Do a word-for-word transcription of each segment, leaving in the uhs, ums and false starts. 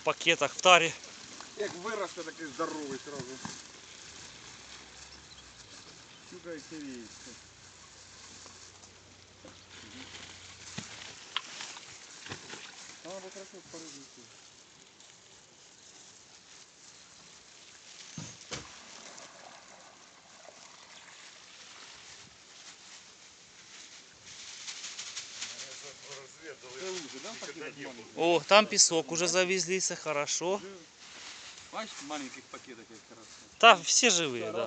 пакетах в тарі. Як виросте, такий здоровий сразу. Щука і сирійська. А, бо хорошо порыбиться. О, там песок уже завезли, все хорошо. Бачите, в маленьких пакетах як хорошо. Да, все живые, да.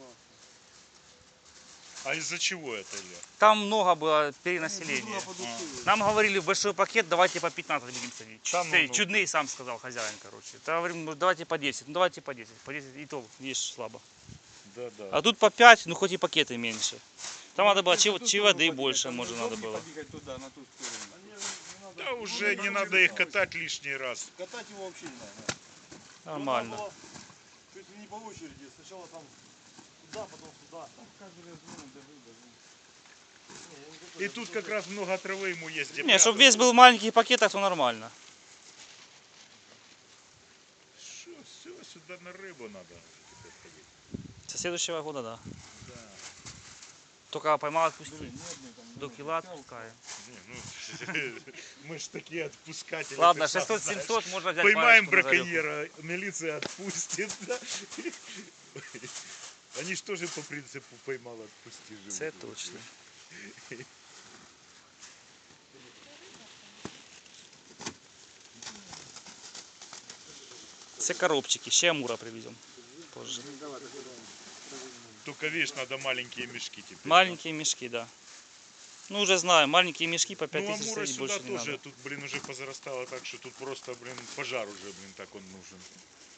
А из-за чего это, Илья? Там много было перенаселения. Нам говорили, в большой пакет давайте по пятнадцать будем садить. Да, ну, Ты ну. чудный сам сказал, хозяин, короче. Да, говорим, ну давайте по десять, ну давайте по десять. По десять и то есть слабо. Да, да. А тут по пять, ну хоть и пакеты меньше. Там надо было чи, чи воды больше, может, надо было. Туда, на ту сторону. Да уже не надо их катать лишний раз. Катать его вообще не надо. Нормально. Было чуть ли не по очереди. Сначала там туда, потом сюда. И тут как раз много травы ему есть где Не, чтобы прятаться. весь был в маленьких пакетах, то нормально. Шо, все, сюда на рыбу надо теперь ходить. Со следующего года, да. Да. Только поймал, отпусти. До кила отпускаем. Не, ну, мы ж такие отпускатели. Ладно, ты сам шестьсот-семьсот знаешь. можно взять. Поймаем парочку на зарядку. браконьера, милиция отпустит. Да? Они ж тоже по принципу поймал, отпусти живут. Це точно. Це коробчики, ще амура привезем позже. Только видишь, надо маленькие мешки теперь. Маленькие мешки, да. Ну уже знаю, маленькие мешки по пять Ну тысяч амура стоить, сюда больше не тоже, надо. тут, блин, уже позарастало так, что тут просто, блин, пожар уже, блин, так он нужен.